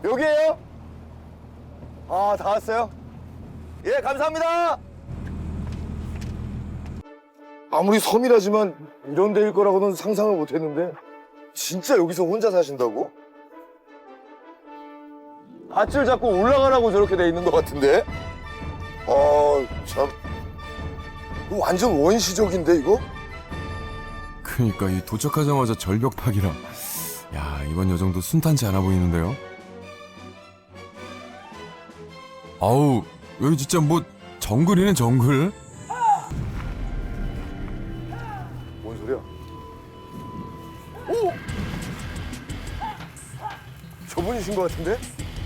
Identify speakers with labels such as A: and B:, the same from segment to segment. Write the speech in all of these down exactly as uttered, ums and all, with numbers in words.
A: 여기에요? 아, 다 왔어요? 예, 감사합니다. 아무리 섬이라지만 이런 데일 거라고는 상상을 못 했는데 진짜 여기서 혼자 사신다고? 밧줄 잡고 올라가라고 저렇게 돼 있는 것 같은데? 아, 참. 이거 완전 원시적인데, 이거?
B: 그니까 이 도착하자마자 절벽 파기라. 야, 이번 여정도 순탄치 않아 보이는데요. 아우, 여기 진짜 뭐 정글이네, 정글.
A: 뭔 소리야? 오! 저분이신 것 같은데?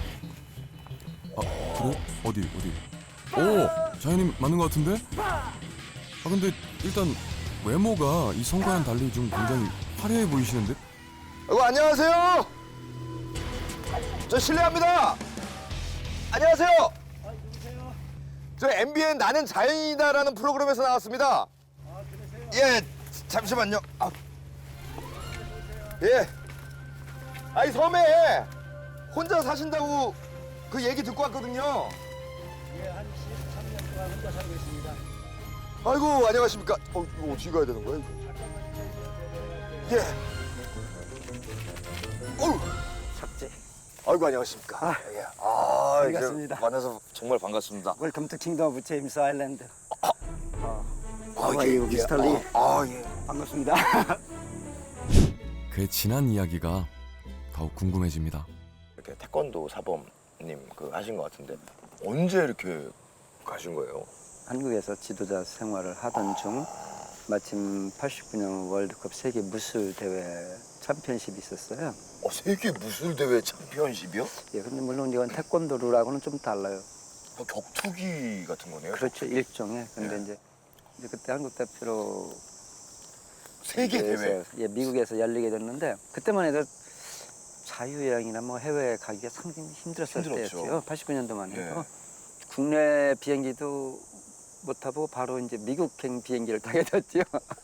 B: 아, 그래? 어디, 어디? 오, 자연님 맞는 것 같은데? 아, 근데 일단 외모가 이 성과와는 달리 좀 굉장히 화려해 보이시는데?
A: 아이고, 안녕하세요. 저 실례합니다. 안녕하세요.
C: 아, 누구세요?
A: 저 엠비엔 나는 자연이다라는 프로그램에서 나왔습니다.
C: 아, 그러세요?
A: 예, 잠시만요. 아. 예. 아이, 섬에 혼자 사신다고 그 얘기 듣고 왔거든요.
C: 예, 한 십삼 년 동안 혼자 살고 있습니다.
A: 아이고, 안녕하십니까. 어, 이거 어떻게 가야 되는 거야, 이거? 예. 어우.
C: 삭제.
A: 아이고, 안녕하십니까.
C: 아,
A: 예. 아,
C: 반갑습니다.
A: 이제 만나서 정말 반갑습니다.
C: 웰컴 투 킹덤 오브 제임스 아일랜드. 어.
A: 아,
C: How are you, 미스터 리?
A: 아, 아, 예.
C: 반갑습니다.
B: 그의 지난 이야기가 더욱 궁금해집니다.
A: 이렇게 태권도 사범님 그 하신 것 같은데 언제 이렇게 가신 거예요?
C: 한국에서 지도자 생활을 하던 중 마침 팔십구 년 월드컵 세계 무술 대회 챔피언십이 있었어요.
A: 어, 세계 무술 대회 챔피언십이요?
C: 예, 근데 물론 이건 태권도라고는 좀 달라요.
A: 뭐 격투기 같은 거네요?
C: 그렇죠, 일종의. 근데
A: 네.
C: 이제, 이제 그때 한국 대표로
A: 세계 대회?
C: 대회에서, 예, 미국에서 열리게 됐는데 그때만 해도 자유여행이나 뭐 해외에 가기가 상당히 힘들었을
A: 힘들었죠.
C: 때였죠. 팔십구 년도만 해도.
A: 네.
C: 국내 비행기도 못 타고 바로 이제 미국행 비행기를 타게 됐죠.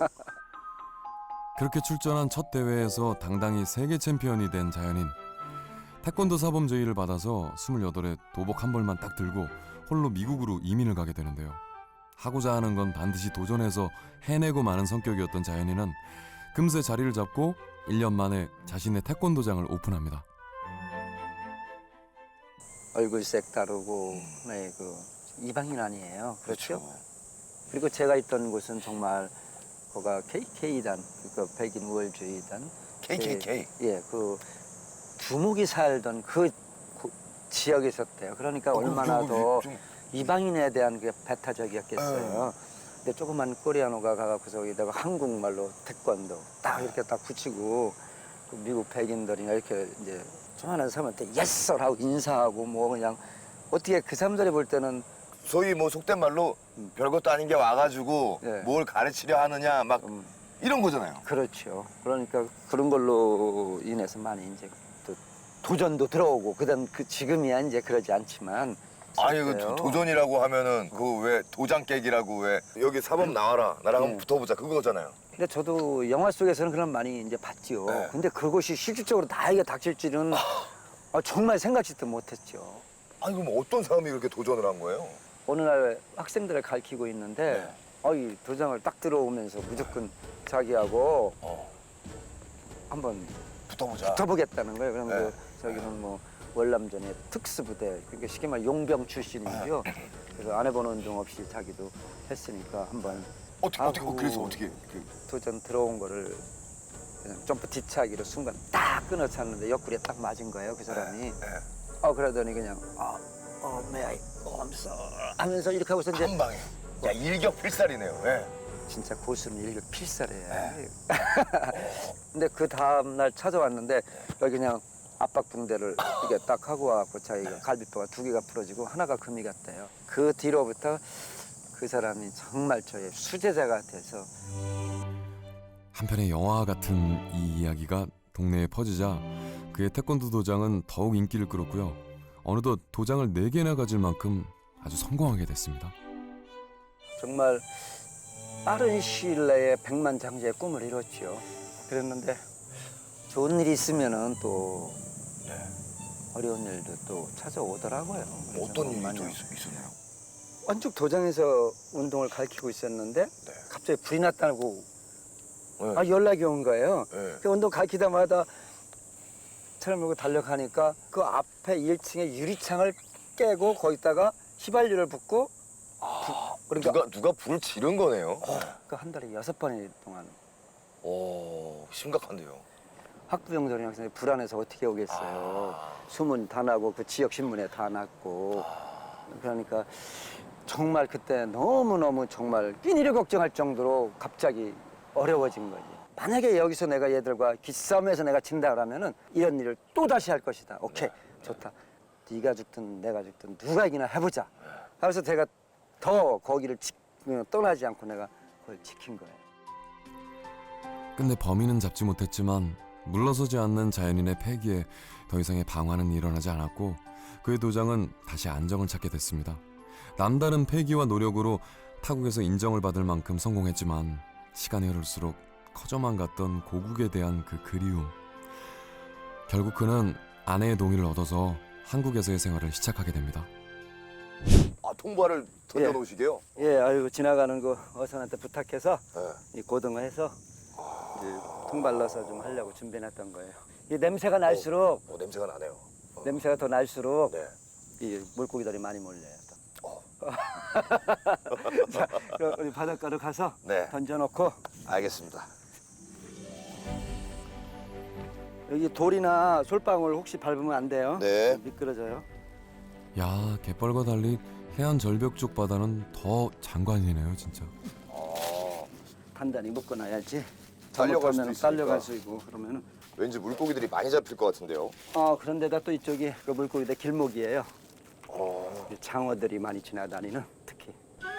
B: 그렇게 출전한 첫 대회에서 당당히 세계 챔피언이 된 자연인. 태권도 사범 제의를 받아서 스물여덟에 도복 한 벌만 딱 들고 홀로 미국으로 이민을 가게 되는데요. 하고자 하는 건 반드시 도전해서 해내고 마는 성격이었던 자연인은 금세 자리를 잡고 일 년 만에 자신의 태권도장을 오픈합니다.
C: 얼굴색 다르고, 네, 그 이방인 아니에요. 그렇죠? 그리고 제가 있던 곳은 정말 거가 케이케이단, 그 백인 우월주의단.
A: 케이케이케이?
C: 예, 예, 그 두목이 살던 그 고- 지역에 있었대요. 그러니까
A: 어,
C: 얼마나
A: 좀-
C: 더
A: 좀-
C: 이방인에 대한 그 배타적이었겠어요. 근데 조그만 코리아노가 가갖고서 여기다가 한국말로 태권도 딱 이렇게 딱 붙이고 그 미국 백인들이나 이렇게 이제 조그만한 사람한테 예썰 하고 인사하고 뭐 그냥 어떻게 그 사람들이 볼 때는
A: 소위 뭐 속된 말로 별것도 아닌 게 와가지고
C: 네.
A: 뭘 가르치려 하느냐 막
C: 음,
A: 이런 거잖아요.
C: 그렇죠. 그러니까 그런 걸로 인해서 많이 이제 또 도전도 들어오고 그다음 그 지금이야 이제 그러지 않지만
A: 아니 그
C: 있었어요.
A: 도- 도전이라고 하면은 그 왜 도장 깨기라고 왜 여기 사범 나와라 나랑 한번
C: 네.
A: 붙어보자 그거잖아요.
C: 근데 저도 영화 속에서는 그런 많이 이제 봤지요.
A: 네.
C: 근데 그것이 실질적으로 나에게 닥칠 줄은 아, 정말 생각지도 못했죠.
A: 아니 그럼 어떤 사람이 그렇게 도전을 한 거예요?
C: 어느 날 학생들을 가르치고 있는데
A: 네.
C: 어이 도장을 딱 들어오면서 무조건 자기하고
A: 어,
C: 한번
A: 붙어보자.
C: 붙어보겠다는 거예요. 그럼
A: 네.
C: 그 저기는 뭐 월남전의 특수부대, 그러니까 쉽게 말해 용병 출신이죠.
A: 네.
C: 그래서 안 해본 운동 없이 자기도 했으니까 한번
A: 어떻게 어떻게
C: 아이고.
A: 그래서 어떻게 그,
C: 도전 들어온 거를 그냥 점프 뒤차기로 순간 딱 끊어찼는데 옆구리에 딱 맞은 거예요, 그 사람이.
A: 네.
C: 어 그러더니 그냥 어, 어, may I, oh, I'm sorry 하면서 이렇게 하고서 이제
A: 한 방에. 야 일격필살이네요. 예.
C: 진짜 고수는 일격필살이에요.
A: 네.
C: 근데 그 다음 날 찾아왔는데 여기 그냥 압박붕대를 이렇게 딱 하고 와갖고 자기가 갈비뼈가 두 개가 부러지고 하나가 금이 갔대요. 그 뒤로부터 그 사람이 정말 저의 수제자가 돼서
B: 한편의 영화 같은 이 이야기가 동네에 퍼지자 그의 태권도 도장은 더욱 인기를 끌었고요. 어느덧 도장을 네 개나 가질 만큼 아주 성공하게 됐습니다.
C: 정말 빠른 시일 내에 백만장자의 꿈을 이뤘죠. 그랬는데 좋은 일이 있으면은 또
A: 네.
C: 어려운 일도 또 찾아오더라고요. 그래서
A: 어떤 일이
C: 많이
A: 또 있, 있었나요?
C: 완죽 도장에서 운동을 가르치고 있었는데
A: 네.
C: 갑자기 불이 났다고
A: 네.
C: 아, 연락이 온 거예요.
A: 네.
C: 그 운동 가르치다마다 차를 몰고 달려가니까 그 앞에 일 층에 유리창을 깨고 거기다가 휘발유를 붓고 부- 그러니까
A: 누가 누가 불을 지른 거네요.
C: 그 한 달에 여섯 번이 동안
A: 오, 심각한데요.
C: 학부형들이 학생이 불안해서 어떻게 오겠어요.
A: 아.
C: 소문 다 나고 그 지역 신문에 다 났고 그러니까 정말 그때 너무너무 정말 끼니를 걱정할 정도로 갑자기 어려워진 거지. 만약에 여기서 내가 얘들과 기싸움에서 내가 진다 그러면은 이런 일을 또 다시 할 것이다. 오케이, 좋다. 네가 죽든 내가 죽든 누가 이기나 해보자. 그래서 제가 더 거기를 지, 떠나지 않고 내가 그걸 지킨 거예요.
B: 근데 범인은 잡지 못했지만 물러서지 않는 자연인의 패기에 더 이상의 방화는 일어나지 않았고 그의 도장은 다시 안정을 찾게 됐습니다. 남다른 패기와 노력으로 타국에서 인정을 받을 만큼 성공했지만 시간이 흐를수록 커져만 갔던 고국에 대한 그 그리움. 결국 그는 아내의 동의를 얻어서 한국에서의 생활을 시작하게 됩니다.
A: 아, 통발을 던져놓으시게요?
C: 예, 아이고 지나가는 그 어선한테 부탁해서
A: 네.
C: 이 고등어해서 이제 통발라서 좀 하려고 준비해놨던 거예요. 이 냄새가 날수록
A: 어, 냄새가 나네요. 어.
C: 냄새가 더 날수록
A: 네.
C: 이 물고기들이 많이 몰려요. 또.
A: 어.
C: 자, 그럼 우리 바닷가로 가서
A: 네.
C: 던져놓고
A: 알겠습니다.
C: 여기 돌이나 솔방울 혹시 밟으면 안 돼요.
A: 네.
C: 미끄러져요.
B: 야, 갯벌과 달리 해안 절벽 쪽 바다는 더 장관이네요, 진짜.
A: 어,
C: 단단히 묶어놔야지.
A: 딸려갈 수도
C: 잘못하면
A: 있으니까.
C: 딸려갈 수 있고 그러면은.
A: 왠지 물고기들이 많이 잡힐 것 같은데요.
C: 아 그런데다 또 이쪽이 그 물고기들 길목이에요.
A: 어,
C: 장어들이 많이 지나다니는 특히.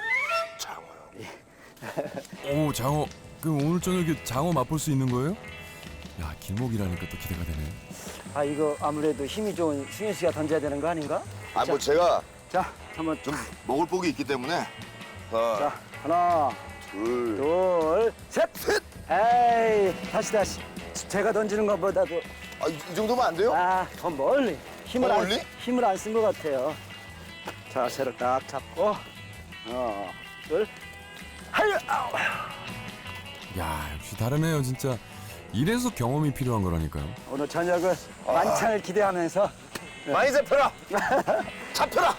A: 장어요.
B: 오, 장어. 그럼 오늘 저녁에 장어 맛볼 수 있는 거예요? 야, 길목이라니까 또 기대가 되네.
C: 아 이거 아무래도 힘이 좋은 승현 씨가 던져야 되는 거 아닌가?
A: 아, 뭐 제가
C: 자 한번
A: 좀 먹을 복이 있기 때문에. 하나,
C: 자 하나
A: 둘,
C: 둘 셋.
A: 셋.
C: 에이 다시 다시. 제가 던지는 것보다도
A: 아, 이, 이 정도면 안 돼요?
C: 아 더 멀리 힘을
A: 더
C: 안
A: 멀리?
C: 힘을 안 쓴 것 같아요. 자세를 딱 잡고 하나 둘 하여 아우.
B: 야, 역시 다르네요, 진짜. 이래서 경험이 필요한 거라니까요.
C: 오늘 저녁을
A: 아.
C: 만찬을 기대하면서
A: 많이 잡혀라. 잡혀라.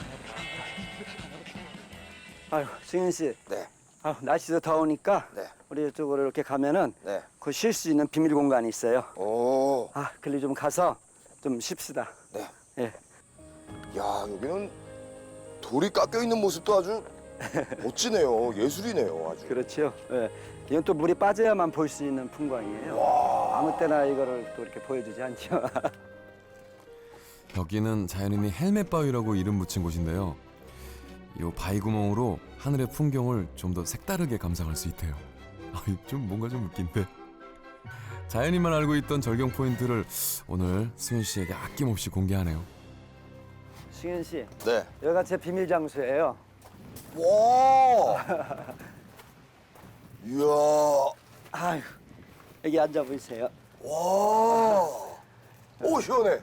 C: 아유 승현 씨.
A: 네,
C: 아, 날씨도 더우니까
A: 네,
C: 우리 이쪽으로 이렇게 가면은
A: 네.
C: 그 쉴 수 있는 비밀 공간이 있어요.
A: 오,
C: 아, 글리 좀 가서 좀 쉽시다.
A: 네.
C: 예.
A: 야, 여기는 돌이 깎여 있는 모습도 아주 멋지네요. 예술이네요, 아주.
C: 그렇죠. 예. 이건 또 물이 빠져야만 볼 수 있는 풍광이에요. 아무 때나 이거를 또 이렇게 보여주지 않죠.
B: 여기는 자연인이 헬멧 바위라고 이름 붙인 곳인데요. 이 바위 구멍으로 하늘의 풍경을 좀 더 색다르게 감상할 수 있대요. 아, 좀 뭔가 좀 웃긴데. 자연인만 알고 있던 절경 포인트를 오늘 승현 씨에게 아낌없이 공개하네요.
C: 승현 씨,
A: 네.
C: 여기가 제 비밀 장소예요.
A: 와. 이야.
C: 아유, 여기 앉아 보이세요.
A: 와. 오, 시원해.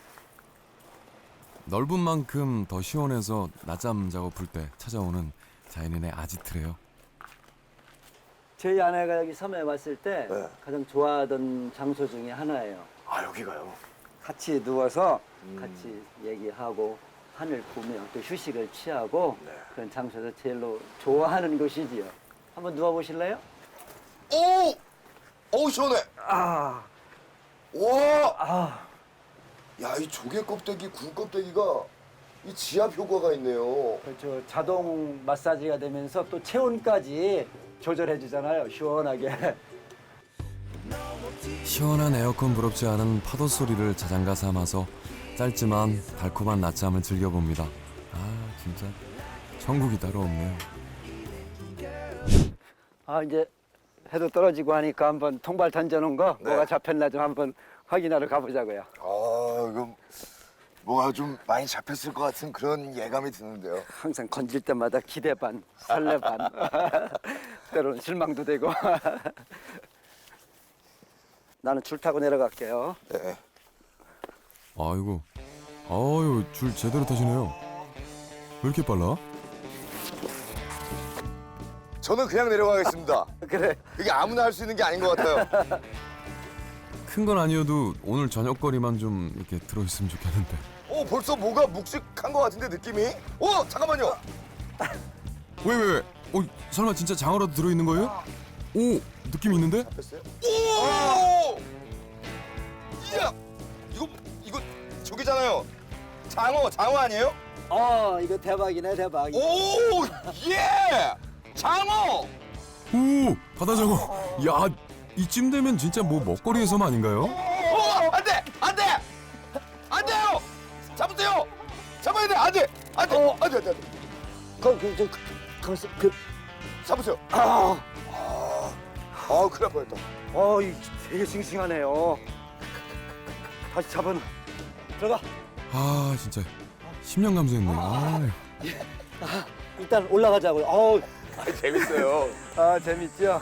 B: 넓은 만큼 더 시원해서 낮잠 자고 풀 때 찾아오는 자연인의 아지트래요.
C: 저희 아내가 여기 섬에 왔을 때
A: 네.
C: 가장 좋아하던 장소 중에 하나예요.
A: 아, 여기가요.
C: 같이 누워서
A: 음.
C: 같이 얘기하고 하늘 보며 또 휴식을 취하고
A: 네.
C: 그런 장소에서 제일로 좋아하는 곳이지요. 한번 누워 보실래요?
A: 오! 어우, 시원해.
C: 아,
A: 와.
C: 아,
A: 야, 이 조개 껍데기, 굴 껍데기가 이 지압 효과가 있네요.
C: 그렇죠. 자동 마사지가 되면서 또 체온까지 조절해 주잖아요. 시원하게.
B: 시원한 에어컨 부럽지 않은 파도 소리를 자장가 삼아서 짧지만 달콤한 낮잠을 즐겨봅니다. 아, 진짜 천국이 따로 없네요.
C: 아, 이제 해도 떨어지고 하니까 한번 통발 던져놓은 거
A: 네.
C: 뭐가 잡혔나 좀 한번 확인하러 가보자고요.
A: 아, 이거 뭐가 좀 많이 잡혔을 것 같은 그런 예감이 드는데요.
C: 항상 건질 때마다 기대 반, 설레 반, 때로는 실망도 되고. 나는 줄 타고 내려갈게요.
A: 네.
B: 아이고, 어유 줄 제대로 타시네요. 왜 이렇게 빨라?
A: 저는 그냥 내려가겠습니다.
C: 그래.
A: 그게 아무나 할 수 있는 게 아닌 것 같아요.
B: 큰 건 아니어도 오늘 저녁거리만 좀 이렇게 들어있으면 좋겠는데.
A: 어, 벌써 뭐가 묵직한 것 같은데 느낌이? 어, 잠깐만요.
B: 왜 왜? 왜? 어 설마 진짜 장어라도 들어있는 거예요? 오 느낌 있는데?
A: 됐어요? 오! 이야! 이거 이거 저기잖아요. 장어, 장어 아니에요?
C: 어, 이거 대박이네, 대박.
A: 오! 예! 장어!
B: 오 바다장어. 야 이쯤 되면 진짜 뭐 먹거리에서만 아닌가요?
A: 어, 안 돼! 안 돼! 안 돼요! 잡으세요! 잡아야 돼! 안 돼! 안 돼!
C: 어.
A: 안 돼! 안 돼! 안 돼!
C: 그, 그, 저, 가만있어. 그,
A: 잡으세요!
C: 아,
A: 아, 큰일 날 뻔했다.
C: 어, 이 되게 싱싱하네요. 다시 잡은. 들어가.
B: 아 진짜 십 년 감수했네. 아,
C: 일단 올라가자고요. 어우,
A: 아, 재밌어요.
C: 아, 재밌죠?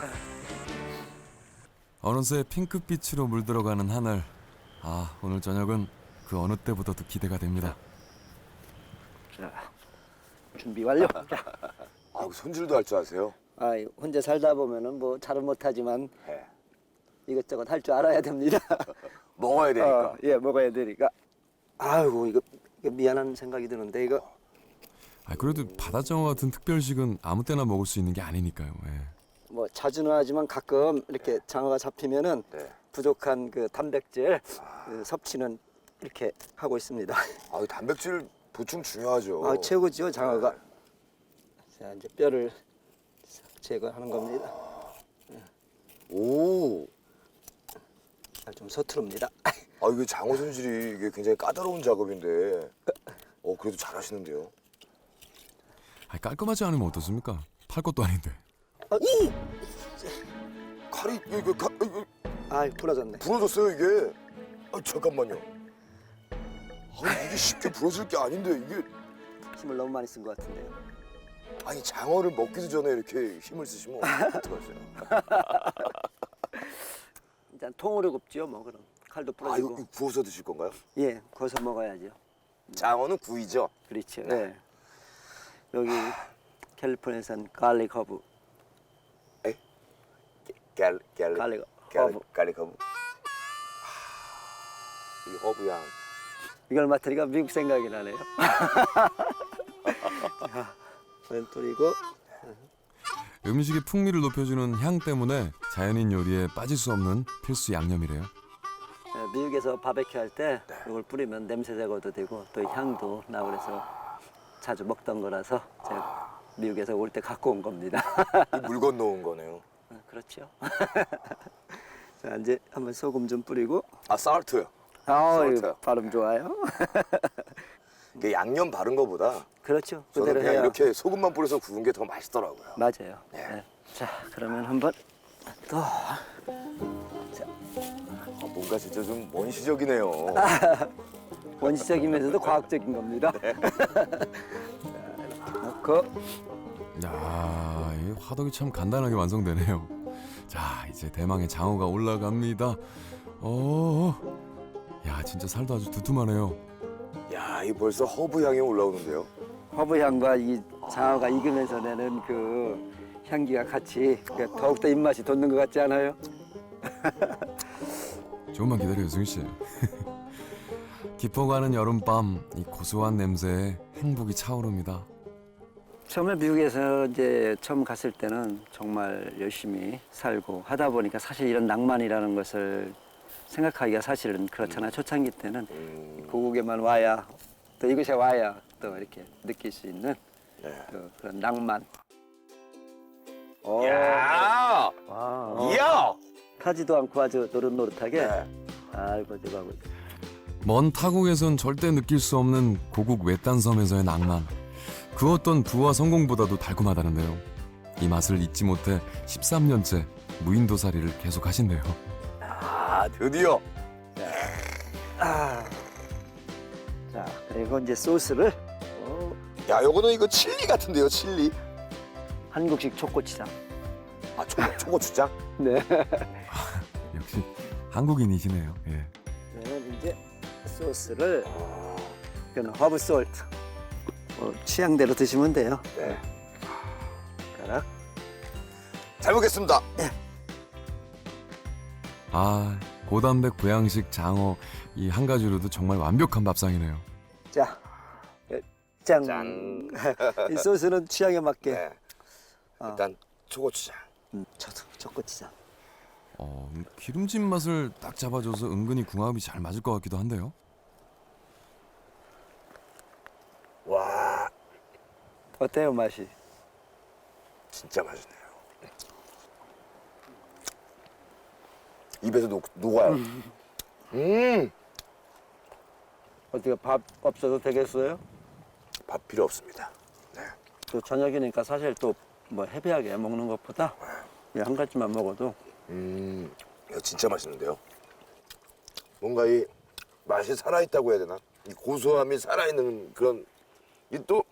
B: 어느새 핑크빛으로 물들어가는 하늘. 아 오늘 저녁은 그 어느 때보다도 기대가 됩니다.
C: 자, 준비 완료.
A: 아, 손질도 할 줄 아세요?
C: 아, 혼자 살다 보면은 뭐 잘은 못하지만
A: 네.
C: 이것저것 할 줄 알아야 됩니다.
A: 먹어야 되니까.
C: 어, 예, 먹어야 되니까. 아이고, 이거, 이거 미안한 생각이 드는데 이거.
B: 아 그래도 바다장어 같은 특별식은 아무 때나 먹을 수 있는 게 아니니까요. 예.
C: 뭐 자주는 하지만 가끔 이렇게 장어가 잡히면은
A: 네.
C: 부족한 그 단백질 그 섭취는 이렇게 하고 있습니다.
A: 아, 단백질 보충 중요하죠.
C: 아, 최고죠, 장어가. 자, 이제 뼈를 싹 제거하는 겁니다.
A: 오.
C: 아, 좀 서투릅니다.
A: 아, 이게 장어 손질이 이게 굉장히 까다로운 작업인데. 어, 그래도 잘하시는데요.
B: 아 깔끔하지 않으면 어떻습니까? 팔 것도 아닌데.
C: 아, 이!
A: 칼이 이거 가, 이거
C: 아, 부러졌네.
A: 부러졌어요 이게. 아, 잠깐만요. 아, 이게 쉽게 부러질 게 아닌데 이게.
C: 힘을 너무 많이 쓴 것 같은데요.
A: 아니, 장어를 먹기도 전에 이렇게 힘을 쓰시면 어떡하세요?
C: 일단 통으로 굽죠, 뭐 그럼. 칼도
A: 아, 이거
C: 부러지고.
A: 구워서 드실 건가요?
C: 예, 구워서 먹어야죠.
A: 장어는 구이죠.
C: 그렇죠. 예. 여기 캘리포니아산 갈릭 허브.
A: 갤 갤릭
C: 갈릭
A: 갤릭
C: 허브.
A: 갈릭 허브. 이 허브 향.
C: 이걸 맡으니까 미국 생각이 나네요. 자, 왼쪽이고.
B: 음식의 풍미를 높여주는 향 때문에 자연인 요리에 빠질 수 없는 필수 양념이래요.
C: 예, 미국에서 바베큐 할 때 이걸 뿌리면 냄새 제거도 되고 또 향도 나고 그래서 자주 먹던 거라서 제가 미국에서 올 때 갖고 온 겁니다.
A: 물 건너온 거네요.
C: 어, 그렇죠. 자, 이제 한번 소금 좀 뿌리고.
A: 아, 살트요.
C: 아,
A: 솔트.
C: 발음 좋아요.
A: 이게 양념 바른 거보다
C: 그렇죠.
A: 저는
C: 그대로
A: 그냥
C: 해야
A: 이렇게 소금만 뿌려서 구운 게 더 맛있더라고요.
C: 맞아요.
A: 네.
C: 네. 자, 그러면 한번 또. 자,
A: 아, 뭔가 진짜 좀 원시적이네요.
C: 원시적이면서도 과학적인 겁니다.
A: 네.
C: 자, 이렇게 넣고.
B: 야, 이 화덕이 참 간단하게 완성되네요. 자, 이제 대망의 장어가 올라갑니다. 어, 야, 진짜 살도 아주 두툼하네요.
A: 야, 이 벌써 허브 향이 올라오는데요.
C: 허브 향과 이 장어가 익으면서 내는 그 향기가 같이 더욱더 입맛이 돋는 것 같지 않아요?
B: 조금만 기다려요, 승희 씨. 깊어가는 여름밤, 이 고소한 냄새에 행복이 차오릅니다.
C: 처음에 미국에서 이제 처음 갔을 때는 정말 열심히 살고 하다 보니까 사실 이런 낭만이라는 것을 생각하기가 사실은 그렇잖아요. 초창기 때는
A: 음,
C: 고국에만 와야 또 이곳에 와야 또 이렇게 느낄 수 있는
A: 네.
C: 또 그런 낭만. 오,
A: 야,
C: 와,
A: 이야.
C: 타지도 않고 아주 노릇노릇하게.
A: 네.
C: 아이고, 대박.
B: 먼 타국에선 절대 느낄 수 없는 고국 외딴 섬에서의 낭만. 그 어떤 부와 성공보다도 달콤하다는데요. 이 맛을 잊지 못해 십삼 년째 무인도살이를 계속하신대요.
A: 아, 드디어.
C: 아, 자, 그리고 이제 소스를 어,
A: 야, 요거는 이거 칠리 같은데요, 칠리.
C: 한국식 초고추장.
A: 아, 초, 초고추장?
C: 네.
B: 역시 한국인이시네요. 예.
C: 그러면 이제 소스를 이건 허브 솔트. 뭐 취향대로 드시면 돼요.
A: 네.
C: 가락.
A: 잘 먹겠습니다.
B: 아, 고단백 보양식 장어 이 한 가지로도 정말 완벽한 밥상이네요.
C: 자, 예, 짠.
A: 짠.
C: 이 소스는 취향에 맞게.
A: 네. 일단 초고추장.
C: 음, 저도 초고추장.
B: 어, 기름진 맛을 딱 잡아줘서 은근히 궁합이 잘 맞을 것 같기도 한데요.
A: 와,
C: 어때요 맛이?
A: 진짜 맛있네요. 입에서 녹, 녹아요. 음,
C: 어떻게 밥 없어도 되겠어요?
A: 밥 필요 없습니다. 네.
C: 또 저녁이니까 사실 또 뭐 헤비하게 먹는 것보다 이 한 가지만 먹어도
A: 음, 이거 진짜 맛있는데요. 뭔가 이 맛이 살아있다고 해야 되나? 이 고소함이 살아있는 그런 이 또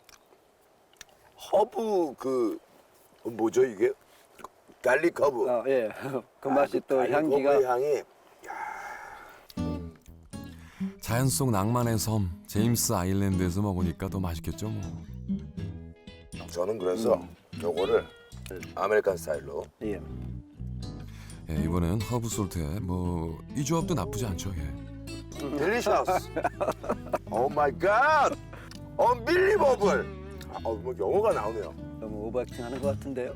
A: 허브 그 뭐죠 이게? 갈릭 허브.
C: 아, 예. 그 맛이 또
A: 갈릭
C: 향기가
A: 허브의 향이
B: 자연 속 낭만의 섬 제임스 아일랜드에서 먹으니까 더 맛있겠죠 뭐.
A: 저는 그래서 요거를 아메리칸 스타일로
C: 예.
B: 예, 이번엔 허브 솔트에 뭐 이 조합도 나쁘지 않죠. 예.
A: 딜리셔스. 오 마이 갓. 언빌리버블. 아, 뭐 영어가 나오네요.
C: 너무 오버액팅 하는 것 같은데요?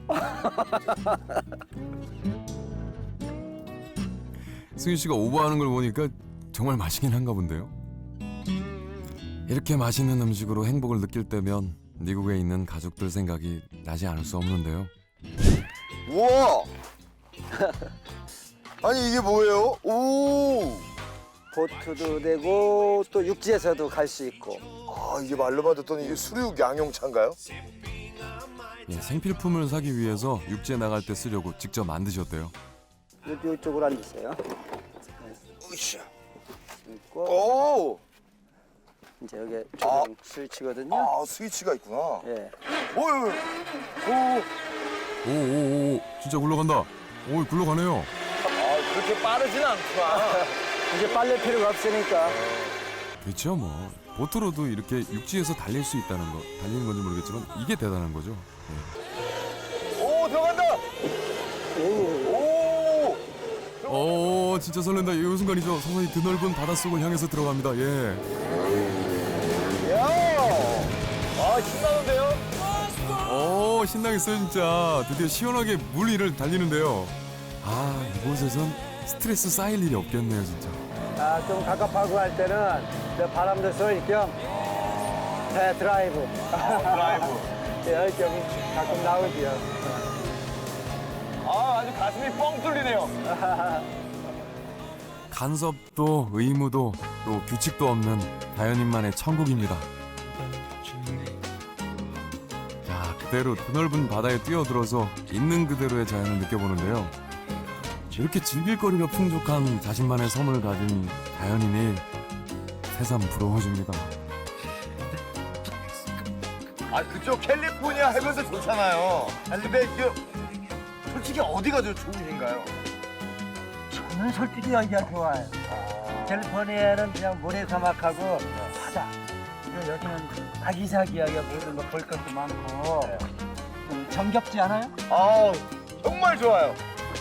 B: 승윤 씨가 오버하는 걸 보니까 정말 맛있긴 한가 본데요. 이렇게 맛있는 음식으로 행복을 느낄 때면 미국에 있는 가족들 생각이 나지 않을 수 없는데요.
A: 우와. 아니 이게 뭐예요? 오.
C: 보트도 되고 또 육지에서도 갈 수 있고.
A: 아 이게 말로만 듣더니 이게 수륙 양용차인가요?
B: 예, 생필품을 사기 위해서 육지에 나갈 때 쓰려고 직접 만드셨대요.
C: 요, 이쪽으로 앉으세요.
A: 으쌰.
C: 있고
A: 오.
C: 이제 여기 조명 스위치거든요.
A: 아 스위치가 있구나.
C: 예.
A: 오유. 오.
B: 오오오 진짜 굴러간다. 오 굴러가네요.
A: 아 그렇게 빠르진 않구나.
C: 이제 빨래 필요가 없으니까.
B: 그렇죠 뭐 보트로도 이렇게 육지에서 달릴 수 있다는 거 달리는 건지 모르겠지만 이게 대단한 거죠. 예.
A: 오 들어간다. 오.
B: 오 진짜 설렌다. 이 순간이죠. 서서히 드넓은 바닷속을 향해서 들어갑니다. 예.
A: 야. 아 신나는데요?
B: 오 신나겠어요 진짜. 드디어 시원하게 물 위를 달리는데요. 아 이곳에선 스트레스 쌓일 일이 없겠네요 진짜.
C: 아, 좀 갑갑하고 할 때는 저 바람도 쏠 겸 배 드라이브.
A: 드라이브.
C: 예, 좀 가끔 나오지요.
A: 아 아주 가슴이 뻥 뚫리네요.
B: 간섭도 의무도 또 규칙도 없는 자연인만의 천국입니다. 자 그대로 드넓은 바다에 뛰어들어서 있는 그대로의 자연을 느껴보는데요. 이렇게 즐길 거리가 풍족한 자신만의 섬을 가진 자연인이 새삼 부러워집니다.
A: 아 그쪽 캘리포니아 해변도 좋잖아요. 아니 근데 그 솔직히 어디가 더 좋으신가요?
C: 저는 솔직히 여기가 좋아요. 캘리포니아는 그냥 모래사막하고 바다. 그리고 여기는 아기자기하게 모든 거 볼 것도 많고 좀 정겹지 않아요?
A: 아 정말 좋아요.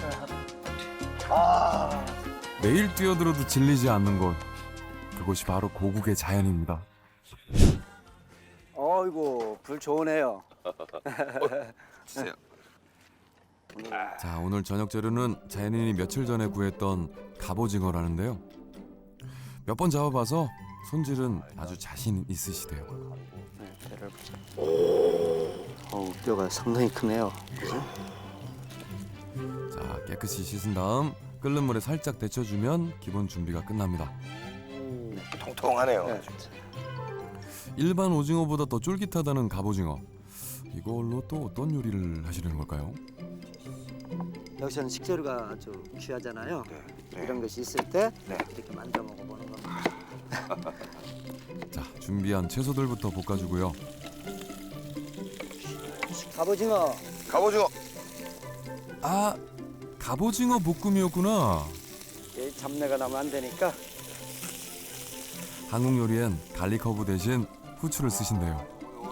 A: 아
B: 매일 뛰어들어도 질리지 않는 곳 그곳이 바로 고국의 자연입니다.
C: 어이구 불 좋으네요.
A: 주세요.
B: 자 오늘 저녁 재료는 자연인이 며칠 전에 구했던 갑오징어라는데요. 몇 번 잡아봐서 손질은 아주 자신 있으시대요.
C: 네, 배를 보자. 어우 뼈가 상당히 크네요. 그죠?
B: 자 깨끗이 씻은 다음 끓는 물에 살짝 데쳐주면 기본 준비가 끝납니다.
A: 통통하네요.
C: 네.
B: 일반 오징어보다 더 쫄깃하다는 갑오징어. 이걸로 또 어떤 요리를 하시려는 걸까요?
C: 여기서는 식재료가 아주 귀하잖아요.
A: 네, 네.
C: 이런 것이 있을 때
A: 네.
C: 이렇게 만들어 먹어보는 겁니다.
B: 자 준비한 채소들부터 볶아주고요.
C: 갑오징어
A: 갑오징어.
B: 아 갑오징어 볶음이었구나.
C: 이 잡내가 나면 안 되니까
B: 한국 요리엔 갈릭 허브 대신 후추를 쓰신대요.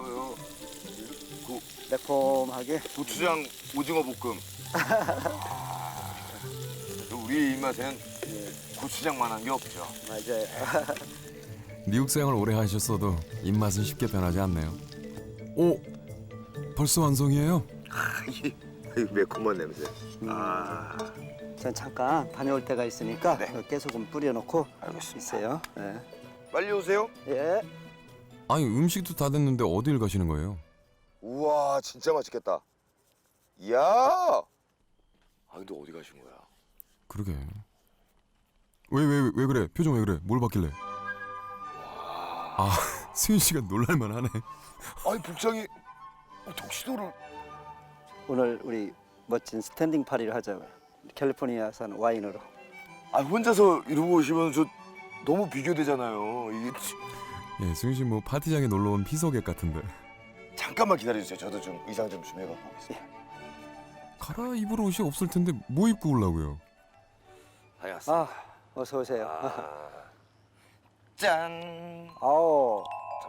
C: 매콤하게.
A: 고추장 오징어 볶음. 우리 입맛에는 고추장만한 게 없죠.
C: 맞아요.
B: 미국 생활 오래 하셨어도 입맛은 쉽게 변하지 않네요. 오, 벌써 완성이에요?
A: 이 매콤한 냄새. 아,
C: 전 잠깐 다녀올 때가 있으니까
A: 네.
C: 깨소금 뿌려놓고
A: 알겠습니다.
C: 있어요. 예.
A: 빨리 오세요.
C: 예.
B: 아니 음식도 다 됐는데 어딜 가시는 거예요?
A: 우와, 진짜 맛있겠다. 이야. 아, 근데 어디 가신 거야?
B: 그러게. 왜 왜 왜 그래? 표정 왜 그래? 뭘 봤길래? 아, 수윤 씨가 놀랄만 하네.
A: 아니, 복장이 턱시도를.
C: 오늘 우리 멋진 스탠딩 파리를 하자고요. 캘리포니아산 와인으로.
A: 아, 혼자서 이러고 오시면 저 너무 비교되잖아요. 이게 치-
B: 예, 수윤 씨 뭐 파티장에 놀러 온 피서객 같은데.
A: 잠깐만 기다려주세요. 저도 좀 의상 좀 준비해갖고 오겠습니다.
B: 갈아입을 옷이 없을 텐데 뭐 입고 오려고요?
A: 알겠습니다.
C: 아, 어서 오세요.
A: 아, 짠.
C: 아우,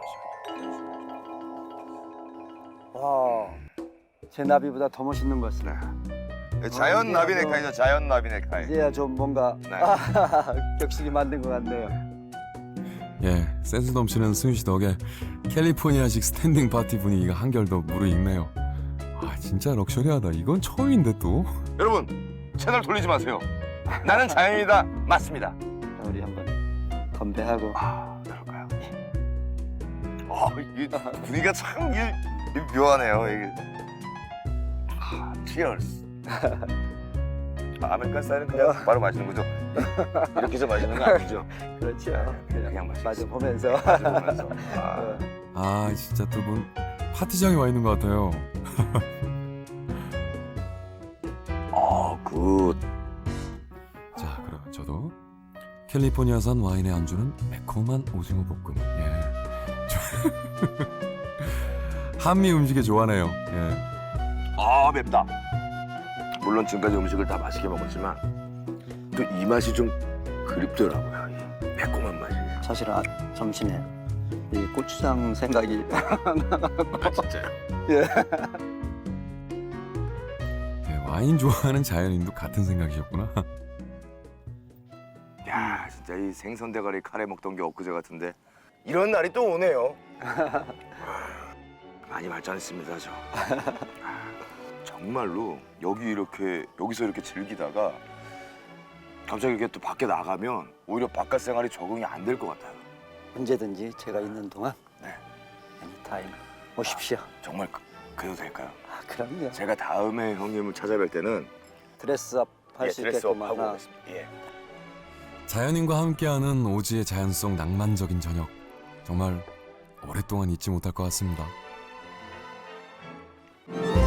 C: 와, 제 나비보다 더 멋있는 것 같습니다.
A: 네, 자연
C: 어,
A: 나비
C: 이게 뭐-
A: 넥타이죠. 자연 나비 넥타이.
C: 이제야 좀 뭔가
A: 네.
C: 아, 격식이 맞는 것 같네요.
B: 예, 센스 넘치는 수윤 씨 덕에 캘리포니아식 스탠딩 파티 분위기가 한결 더 무르익네요. 아, 진짜 럭셔리하다. 이건 처음인데 또.
A: 여러분, 채널 돌리지 마세요. 나는 자연이다. 맞습니다.
C: 우리 한번 건배하고.
A: 아, 그럴까요? 아, 이게 분위기가 참 이게, 이게 묘하네요. 이게. 아, 치얼스. 아, 아메리칸 스타일은 그냥 바로 마시는 거죠? 이렇게 해서 마시는 거 아니죠?
C: 그렇죠.
A: 그냥 마시겠습니다.
C: 마주 보면서.
A: 마시면서. 아,
C: 어.
B: 아, 진짜 두 분 파티장에 와 있는 것 같아요.
A: 아, 굿.
B: 자, 그럼 저도 캘리포니아산 와인의 안주는 매콤한 오징어 볶음. 예. 한미 음식에 좋아하네요. 예.
A: 아, 맵다. 물론 지금까지 음식을 다 맛있게 먹었지만 또 이 맛이 좀 그립더라고요. 이 매콤한 맛이.
C: 사실 아, 점심에 이 고추장 생각이
A: 아, 진짜요?
B: 예, 와인 좋아하는 자연인도 같은 생각이셨구나.
A: 야, 진짜 이 생선 대가리 카레 먹던 게 엊그제 같은데 이런 날이 또 오네요. 아, 많이 발전했습니다, 저. 아, 정말로 여기 이렇게 여기서 이렇게 즐기다가 갑자기 이렇게 또 밖에 나가면 오히려 바깥 생활이 적응이 안 될 것 같아요.
C: 언제든지 제가 있는 동안
A: 네.
C: 애니타임 오십시오.
A: 정말 그, 그래도 될까요?
C: 아, 그럼요.
A: 제가 다음에 형님을 찾아뵐 때는
C: 드레스업 할 수
A: 예, 드레스업
C: 있게끔
A: 하고
C: 하나.
A: 오겠습니다. 예.
B: 자연인과 함께하는 오지의 자연 속 낭만적인 저녁. 정말 오랫동안 잊지 못할 것 같습니다.